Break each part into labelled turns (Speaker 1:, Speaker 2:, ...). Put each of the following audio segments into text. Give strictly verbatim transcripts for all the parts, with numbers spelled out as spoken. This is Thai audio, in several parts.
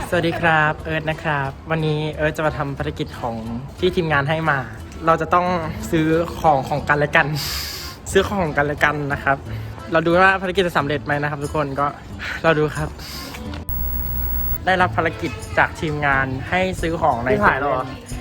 Speaker 1: สวัสดีครับเอิร์ธนะครับวันนี้เอิร์ธจะมาทำภารกิจของที่ทีมงานให้มา เราจะต้องซื้อของของกันและกัน ซื้อของของกันและกันนะครับ เราดูว่าภารกิจจะสำเร็จไหมนะครับ ทุกคนก็เราดูครับ ได้รับภารกิจจากทีมงานให้ซื้อของในถ่ายหรอ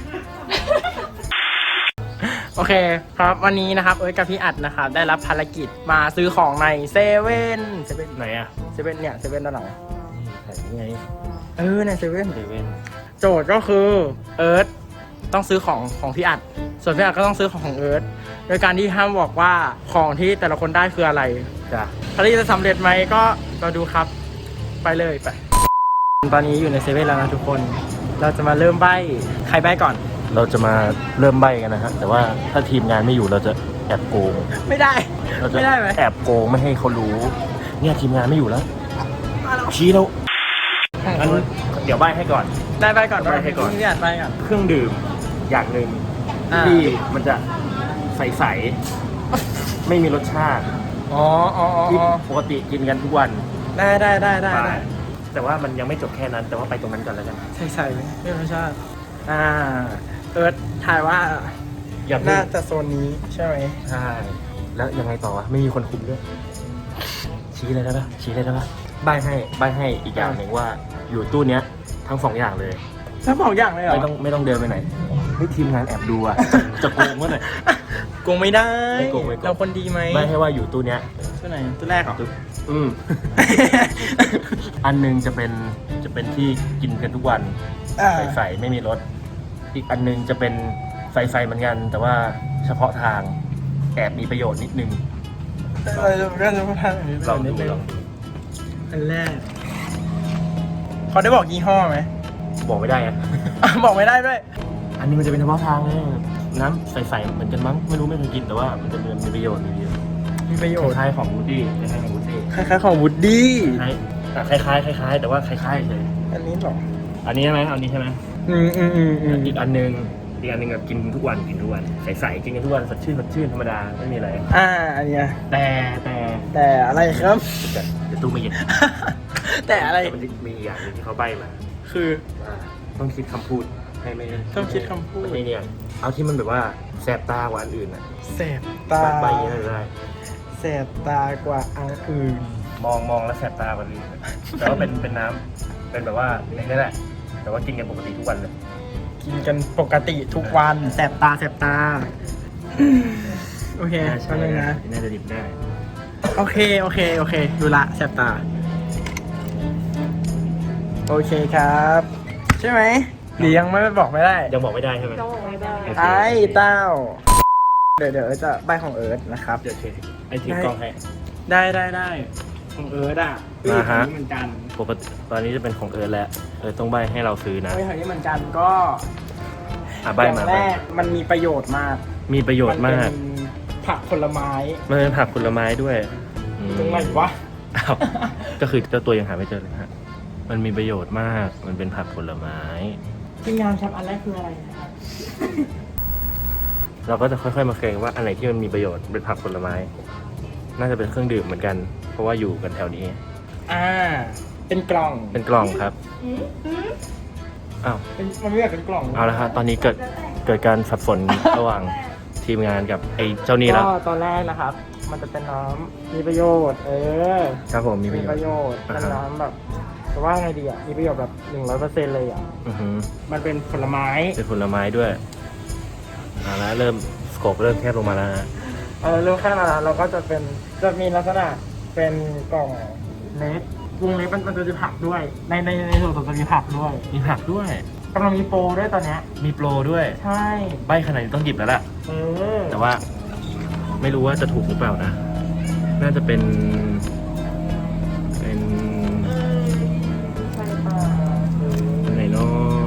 Speaker 1: โอเคครับวันนี้นะครับเอิร์ธกับพี่อัดนะครับได้รับภารกิจมาซื้อของในเซเว่นเซเว่น
Speaker 2: ไหนอะ
Speaker 1: เซเว่นเนี่ยเซเว่นด้านหลัง
Speaker 2: ไหนไง
Speaker 1: เออในเซเว่น
Speaker 2: เซเว่น
Speaker 1: โจทย์ก็คือเอิร์ธต้องซื้อของของพี่อัดส่วนพี่อัดก็ต้องซื้อของของเอิร์ธโดยการที่ห้ามบอกว่าของที่แต่ละคนได้คืออะไร
Speaker 2: จ้ะ
Speaker 1: ภารกิจจะสำเร็จไหมก็เราดูครับไปเลยไปตอนนี้อยู่ในเซเว่นแล้วนะทุกคนเราจะมาเริ่มใบ้ใครใบ้ก่อน
Speaker 2: เราจะมาเริ่มใบ้กันนะฮะแต่ว่าถ้าทีมงานไม่อยู่เราจะแอบโกง
Speaker 1: ไม่ได้
Speaker 2: เราจะ
Speaker 1: ไม่ได้ไหม
Speaker 2: แอบโกงไม่ให้เขารู้ เนี่ยทีมงานไม่อยู่แล้วชี้แล้วงั้นเดี๋ยวใบ้ให้ก่อน
Speaker 1: ได้ใบ้ก่อน
Speaker 2: ใบ้ให้ก่อน
Speaker 1: พี่อัดใบ้ก่อน
Speaker 2: เครื่องดื่มอย่างหนึ่ง
Speaker 1: อ่า
Speaker 2: ที่มันจะใสๆไม่มีรสชาติ
Speaker 1: อ๋ออ๋ออ๋อ
Speaker 2: ที่ปกติกินกันทุกวัน
Speaker 1: ได้ได้ได้ได้ได้
Speaker 2: แต่ว่ามันยังไม่จบแค่นั้น แต่ว่าไปตรงนั้นก่อนแล้วกัน
Speaker 1: ใส่ใส่ไม่รสชาติอ่าเอิร์ธถ่ายว่า
Speaker 2: อย่าเพิ่ง
Speaker 1: น่าจะโซนนี้ใช่ไหม
Speaker 2: ใช่ แล้วยังไงต่อวะ ไม่มีคนคุมด้วย ชี้เลยได้ปะชี้เลยได้ปะใบให้ใบให้อีกอย่างหนึ่งว่าอยู่ตู้เนี้ยทั้งสองอย่างเลย
Speaker 1: ทั้งสองอย่างเลยเหรอ
Speaker 2: ไม่ต้องไม่ต้องเดินไปไหนเฮ้ยทีมงานแอบดูอ่ะ จะโกงวะหน่อย
Speaker 1: โกงไม่ได้
Speaker 2: ไม่โกงไม่โกง
Speaker 1: เราคนดีไหม
Speaker 2: ใบให้ว่าอยู่ตู้เนี้ย
Speaker 1: ตัวไหนตัวแรกเหรอ
Speaker 2: ตู้อืม อันหนึงจะเป็นจะเป็นที่กินกันทุกวัน
Speaker 1: อ่า
Speaker 2: ใสๆไม่มีรส อีกอันหนึงจะเป็นใสๆเหมือนกัน แต่ว่าเฉพาะทางแอบมีประโยชน์นิดนึง
Speaker 1: เราจะก็จะพูดทางนี้
Speaker 2: ลอง
Speaker 1: นิ
Speaker 2: ดู
Speaker 1: นึ
Speaker 2: ลองดู
Speaker 1: อันแรกเขาได้บอกยี่ห้อไหม
Speaker 2: บอกไม่ได้อะ
Speaker 1: อ่ะบอกไม่ได้ด้วย
Speaker 2: อันนี้มันจะเป็นเฉพาะทางเลยน้ำใสๆเหมือนกันมั้งไม่รู้ไม่เคยกินแต่ว่ามันจะมีมีประโยชน์มีประโยชน์
Speaker 1: มีประโยชน์
Speaker 2: คล้ายๆของวูดดี้คล้ายๆของวูดดี้
Speaker 1: คล้ายๆของวูดดี้
Speaker 2: คล้ายๆอ่ะคล้ายๆคล้ายๆแต่ว่าคล้ายๆเลย
Speaker 1: อันนี้เหรอ
Speaker 2: อันนี้ใช่ไหมอันนี้ใช่ไหม
Speaker 1: อืมอืมอืมอืม
Speaker 2: อีกอันหนึงอีกอันหนึงแบบกินทุกวันกินทุกวันใสๆกินกันทุกวันสดชื่นสดชื่นธรรมดาไม่มีอะไร
Speaker 1: อ่าอันเนี้ย
Speaker 2: แต่แต่
Speaker 1: แต่อะไรครับ
Speaker 2: แต่เดี๋ยวตู้ไม่เย็น
Speaker 1: แต่อะไร
Speaker 2: แต่มันจะมีอย่างหนึงที่เขาใบ้มา
Speaker 1: คือ
Speaker 2: ว่าต้องคิดคำพูดให้ไม่
Speaker 1: ต้องคิดคำพูด
Speaker 2: ไม่เนี่ยเอาที่มันแบบว่าแสบตากว่าอันอื่นอ่ะ
Speaker 1: แสบตา
Speaker 2: ใบอย่างนี้ได้ได้
Speaker 1: แสบตากว่าอันอื่น
Speaker 2: มองมองแล้วแสบตากว่าอื่นแต่ว่าเป็นเป็นน้ำเป็นแบบว่าในนี้แหละ แต่ว่ากินกันปกติทุกวันเลย
Speaker 1: กินกันปกติทุกวันแสบตาแสบตา โอเคแป๊บนึงนะ
Speaker 2: น่าจะดิบได้
Speaker 1: โอเค โอเค โอเค ดูละแสบตา โอเคครับ ใช่ไหมหรือยังไม่บอกไม่ได้
Speaker 2: ยังบอกไม่ได้ใช่ไหม
Speaker 1: ไอ้เต้า เดี๋ยวเดี๋ยวจะใบของเอิร์ธนะครับ
Speaker 2: เดี๋ยวเทไอ้ทีมกล้องให้
Speaker 1: ได้ได้ได้ของเอิร์ธอ่ะ
Speaker 2: อ่าฮะ
Speaker 1: เหมือนกัน
Speaker 2: ปกติตอนนี้จะเป็นของเอิร์ธแล้วเอิร์ธต้องใบให้เราซื้อนะ
Speaker 1: เฮ้ยของนี้เหมือนกันก็
Speaker 2: อ่ะใบ
Speaker 1: อย่าง
Speaker 2: มา
Speaker 1: แร
Speaker 2: ใบ้
Speaker 1: กมันมีประโยชน์มาก
Speaker 2: มีประโยชน์มาก
Speaker 1: นเป็นผักผลไม้
Speaker 2: มันเป็นผักผลไม้ด้วยอืม
Speaker 1: ตรงไหนวะ
Speaker 2: อ้าวก็คือเจ้าตัวยังหาไม่เจอเลยฮะมันมีประโยชน์มาก มันเป็นผักผลไม้
Speaker 1: ทีมงานครับอันแรกคืออะไรนะครับ
Speaker 2: เราก็จะค่อยๆมาเคลมว่าอันไหนที่มันมีประโยชน์เป็นผักผลไม้ น่าจะเป็นเครื่องดื่มเหมือนกัน เพราะว่าอยู่กันแถวนี้
Speaker 1: อ่า เป็นกล่อง
Speaker 2: เป็นกล่องครับอ้าว
Speaker 1: เป็นมันไม่แบบเป็นกล่อง
Speaker 2: เอาละครับตอนนี้เกิดเกิดการสับสน ระหว่างทีมงานกับไอ้เจ้านี่แล้ว
Speaker 1: ก็ตอนแรกนะครับ มันจะเป็นน้ำมีประโยชน์ เออ
Speaker 2: ครับผมมีประ
Speaker 1: มี
Speaker 2: โย
Speaker 1: ป
Speaker 2: ช
Speaker 1: ระ
Speaker 2: น์
Speaker 1: โยชน์
Speaker 2: อ่า
Speaker 1: เป็น
Speaker 2: ฮะ
Speaker 1: น้ำแบบจะว่าไงดีอ่ะ มีประโยชน์แบบหนึ่งร้อยเปอร์เซ็นต์เลยอ่ะ
Speaker 2: อือหือ
Speaker 1: มันเป็นผลไม้
Speaker 2: เป็นผลไม้ด้วยเอาละเริ่มสโคปเริ่มแคบลงมาแล้วนะ
Speaker 1: เออเรื่องแค่นั้นเราก็จะเป็น จะมีลักษณะเป็นกล่องเล็กวงเล็กมันมันจะมีผักด้วย ในในในส่วนของจะมีผักด้วย
Speaker 2: มีผักด้วย
Speaker 1: กำลังมีโปรด้วยตอนเนี้ย
Speaker 2: มีโปรด้วย
Speaker 1: ใช่
Speaker 2: ใบขนาดนี้ต้องหยิบแล้วล่ะ
Speaker 1: เออ
Speaker 2: แต่ว่าไม่รู้ว่าจะถูกหรือเปล่านะ น่าจะเป็น เป็น
Speaker 1: ใช่ป่ะเออ
Speaker 2: อะไรเนาะ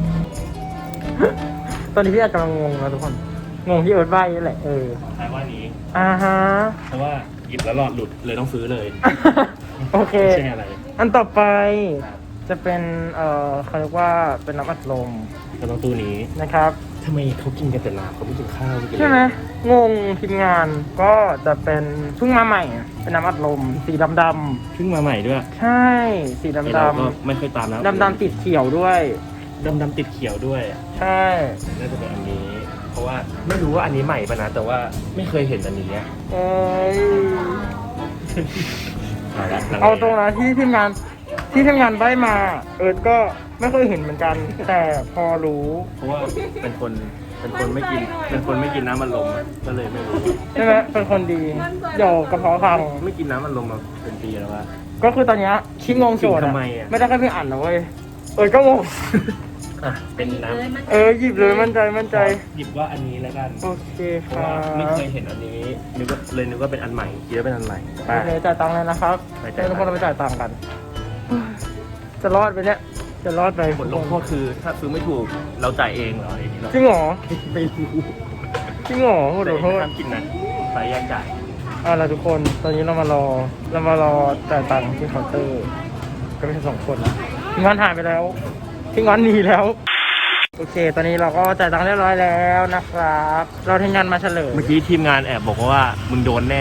Speaker 1: ตอนนี้พี่อาจกำลังงงนะทุกคน งงที่เอิร์ธใบ้นี่แหละ เออ
Speaker 2: คล้ายว่านี้
Speaker 1: อ่าฮะ
Speaker 2: เพราะว่าหยิบแล้วหลอดหลุดเลยต้องซื้อเลย
Speaker 1: โอเค
Speaker 2: ไม่ใช่อะไร
Speaker 1: อันต่อไป
Speaker 2: ครับ
Speaker 1: จะเป็น เอ่อเขาเรียกว่าเป็นน้ำอัดลม
Speaker 2: ก็ต้องตู้นี้
Speaker 1: นะครับ
Speaker 2: ทำไมเขากินกันแต่น้ำเขาไม่กินข้าวไม่กินอะร
Speaker 1: ใช่ไหมงงทีมงานก็จะเป็นเพิ่งมาใหม่เป็นน้ำอัดลมสีดำดำ
Speaker 2: เพิ่งมาใหม่ด้วย
Speaker 1: ๆใช่สี
Speaker 2: ไอ้
Speaker 1: ดำ
Speaker 2: เรา
Speaker 1: ด
Speaker 2: ก็ไม่เคยตามนะ
Speaker 1: ำดำดำติดเขียวด้วย
Speaker 2: ดำดำติดเขียวด้วย
Speaker 1: ใช่
Speaker 2: น่าจะเป็นอันนี้ เพราะว่าไม่รู้ว่าอันนี้ใหม่ปะนะแต่ว่าไม่เคยเห็นอันนี้อะ
Speaker 1: เอ้ย
Speaker 2: เอาละลังล
Speaker 1: เอาตรงนะที่ทีมงานที่ทีมงานได้มา เอิร์ธก็ไม่เคยเห็นเหมือนกัน แต่พอรู้
Speaker 2: เพราะว่าเป็นคนเป็นคนไม่กินเป็นคนไม่กินน้ำมันลมอะก็เลยไม่รู้
Speaker 1: ใช่ไหมเป็นคนดีเดี๋ยวกระเพาะพัง
Speaker 2: ไม่กินน้ำมันลมมาเป็นปีแล้วว่า
Speaker 1: ก็คือตอนเนี้ยคิดงงโจทย์
Speaker 2: กินทำไมอะ
Speaker 1: ไม่ได้แค่พี่อ่านนะเว้ยเอิร์ธก็งง
Speaker 2: อ่ะเป็นน้
Speaker 1: เออหยิบเลยมั่นใจมั่น
Speaker 2: ำ
Speaker 1: ใจ
Speaker 2: หยิบว่าอันนี้แล้วกัน
Speaker 1: โอเค
Speaker 2: เพ
Speaker 1: ค
Speaker 2: ราะ
Speaker 1: รั
Speaker 2: ว่าไม่
Speaker 1: บ
Speaker 2: เคยเห็นอันนี้นึกว่าเลยนึกว่าเป็นอันใหม่คิดว่าเป็นอันใหม่ไป
Speaker 1: โอเคจ่ายตังค์เลยนะครับ
Speaker 2: ไป
Speaker 1: เดี๋
Speaker 2: จ่าย
Speaker 1: ยวทุกคนเราไปจ่ายตังค์กัน จะรอดไปเนี่ยจะรอดไป
Speaker 2: ผลลงโทษคือถ้าซื้อไม่ถูกเราจ่ายเองเหรออย่างนี้เหรอ
Speaker 1: จริงเหรอ
Speaker 2: ไม่รู้
Speaker 1: จริงเหรอโห
Speaker 2: แต่
Speaker 1: ขอโทษ
Speaker 2: ห้ามกินนะไปแยกจ่าย
Speaker 1: เอาล่ะทุกคนตอนนี้เรามารอเรามารอจ่ายตังค์ที่เคาน์เตอร์ ก็ไม่ใช่สองคนละพี่งอนหายไปแล้วพี่งอนหนีแล้ว โอเค ตอนนี้เราก็จ่ายตังค์เรียบร้อยแล้วนะครับ เราทีมงานมาเฉลย
Speaker 2: เมื่อกี้ทีมงานแอบบอกว่ามึงโดนแน่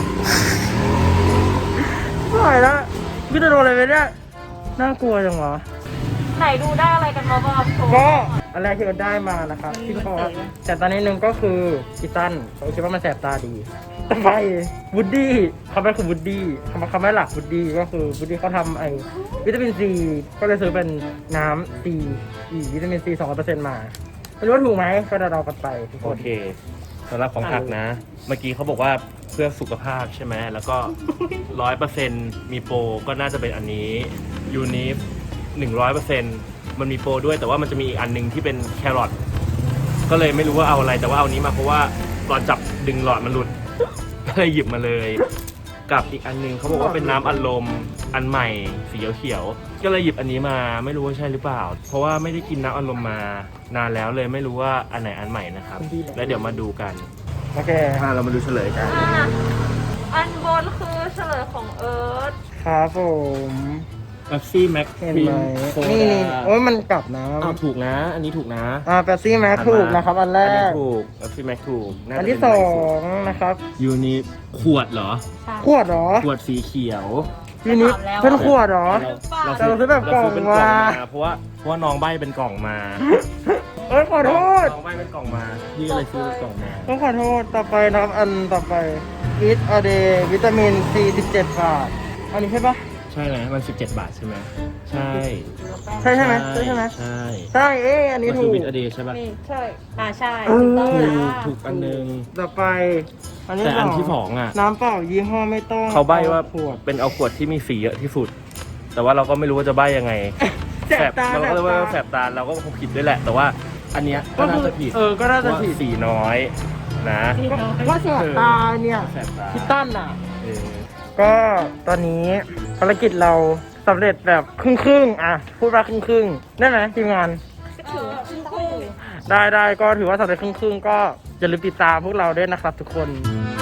Speaker 1: ไม่ไหวแล้วพี่จะโดนอะไรไปเนี่ยน่ากลัวจังวะ
Speaker 3: ไหนดูได้อะไรกันมาบ้างโชว์
Speaker 1: ก็อันแรกที่เราได้มานะครับที่เขาบอกว่าแต่ตอนนี้หนึ่งก็คือคิตันเขาคิดว่ามันแสบตาดีต่อไปวูดดี้คำแรกคือวูดดี้คำคำแรกหลักวูดดี้ก็คือวูดดี้เขาทำไอ้วิตามินซีก็เลยซื้อเป็นน้ำซีอีวิตามินซีสองร้อยเปอร์เซ็นต์มาไม่รู้ว่าถูกไหมก็เดาๆกันไปทุกค
Speaker 2: โอน เคสำหรับของผักนะ เมื่อกี้เขาบอกว่าเพื่อสุขภาพใช่ไหมแล้วก็ร้อยเปอร์เซ็นต์มีโปรก็น่าจะเป็นอันนี้ยูนิฟหนึ่งร้อยเปอร์เซ็นต์มันมีโปรด้วยแต่ว่ามันจะมีอีกอันหนึงที่เป็นแครอทก็เลยไม่รู้ว่าเอาอะไรแต่ว่าเอานี้มาเพราะว่าตอนจับดึงหลอดมันหลุด ก็เลยหยิบมาเลย กับอีกอันหนึงเขาบอกว่าเป็นน้ำอัดลมอันใหม่สีเขียวๆก็เลยหยิบอันนี้มาไม่รู้ว่าใช่หรือเปล่า เพราะว่าไม่ได้กินน้ำอัดลมมานานแล้วเลยไม่รู้ว่าอันไหนอันใหม่นะครับแล้วเดี๋ยวมาดูกัน
Speaker 1: โอเค
Speaker 2: อ่าเรามาดูเฉลยกัน
Speaker 3: อ่ะอันบนคือเฉลยของเอิร์ธ
Speaker 1: ครับผม
Speaker 2: เป๊ปซี่แม็ก
Speaker 1: เห็นไหมนี่นี่โอ้ยมันกลับน้
Speaker 2: อ้าวถูกนะ อันนี้ถูกนะ
Speaker 1: ำอ่าเปปซี่แม็กถูกนะครับอันแร
Speaker 2: อันนี้
Speaker 1: ก
Speaker 2: ถูกเป๊ปซี่แม็กถูกาจะ
Speaker 1: อันที่
Speaker 2: เป็
Speaker 1: สอ
Speaker 2: ใหม่สุด
Speaker 1: งนะครับ
Speaker 2: ยูนิขวดเหรอ
Speaker 1: ขวดเหรอ
Speaker 2: ขวดสีเขียว
Speaker 1: ทีนี้เป็นขวดเหรอ แต่เราซื้อแบบกล่อง
Speaker 2: เรซื้เป็นกล่อง
Speaker 1: มา
Speaker 2: เพราะว่าเพราะว่าน้องใบเป็นกล่องมา
Speaker 1: เอ้ยขอโทษ
Speaker 2: น้องใบเป็นกล่องมาพี่ก็เลยซื้อเป็นกล่องมา
Speaker 1: ต้องขอโทษต่อไปนะครับอันต่อไปวิตอเดวิตามินซีสิบเจ็ดบาทอันนี้ใช่ปะ
Speaker 2: ใช่ไหมมันสิบเจ็ดบาทใช่ไหมใช่
Speaker 1: ใช่ใช่ไหมใช่ใช่ไหม
Speaker 2: ใช่
Speaker 1: ใช่เอ๊ะอันนี้
Speaker 2: มัน
Speaker 1: ถู
Speaker 2: คือก วิตอเดย์ใช่ป่ะ
Speaker 3: นี่ใช่ อ่าใช่
Speaker 1: เออ
Speaker 3: ถูกต้อง
Speaker 2: ถูก
Speaker 3: จ้า
Speaker 2: ถูกอันหนึง
Speaker 1: ต่อไป อันนี้
Speaker 2: แต่อันที่
Speaker 1: ส
Speaker 2: ส
Speaker 1: อง
Speaker 2: องอ่ะ
Speaker 1: น้ำเปล่ายี่ห้อไม่ต้อง
Speaker 2: เขาใบ้ว่า
Speaker 1: ขวด
Speaker 2: เป็นเอาขวดที่มีสีเยอะที่สุด แต่ว่าเราก็ไม่รู้ว่าจะใบ้ยังไง
Speaker 1: แสบตา
Speaker 2: เราก็เลยว่าแสบตาเราก็คงผิดด้วยแหละ แต่ว่าอันเนี้ยก็น่าจะผิด
Speaker 1: เออก็น่าจะ
Speaker 2: เพราะ
Speaker 1: ผิด
Speaker 2: ว่าสีน้อยนะ
Speaker 1: ว่าแสบตาเนี่ย
Speaker 2: แสบตา
Speaker 1: พี่ตั้นอ่ะ
Speaker 2: เออ
Speaker 1: ก็ตอนนี้ภารกิจเราสำเร็จแบบครึ่งครึ่งๆอ่ะพูดว่าครึ่งครึ่งๆได้ไหมทีมงาน
Speaker 3: ก็ถือว่าครึ่งคู่
Speaker 1: ได้ได้ก็ถือว่าสำเร็จครึ่งครึ่งๆก็อย่าลืมติดตามพวกเราด้วยนะครับทุกคน
Speaker 3: ค